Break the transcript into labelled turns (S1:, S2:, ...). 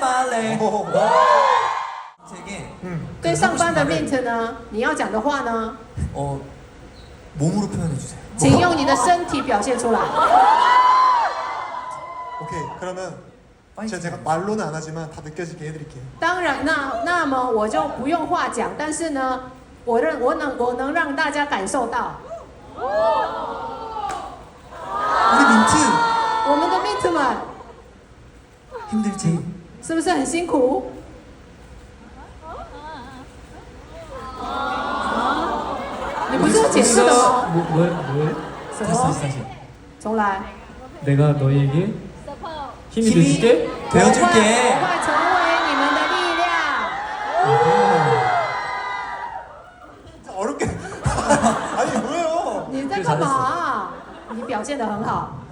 S1: 芭蕾。되게
S2: 对上班的 Mint 呢，你要讲的话呢，
S1: 몸으로 표현해 주세요.
S2: 请用你的身体表现出来。
S3: 오케이. 그러면 제가 말로는 안 하지만 다 느껴지게 해드릴게요.
S2: 当然，那么我就不用话讲，但是呢，我能让大家感受到，
S1: 우리 민트
S2: 我们的 Mint 们
S1: 힘들지?
S2: 是不是很辛苦？ 你不是有解释的吗？
S4: 뭐해?
S2: 什
S1: 다시
S2: 么？
S1: 다시.
S2: 重来。
S4: 내가 너에게 힘이 돼줄게.
S2: 我
S1: 되어줄게.
S2: 会成为你们的力量。
S3: 어렵게. 아니 뭐예요?
S2: 你在干嘛？你表现得很好。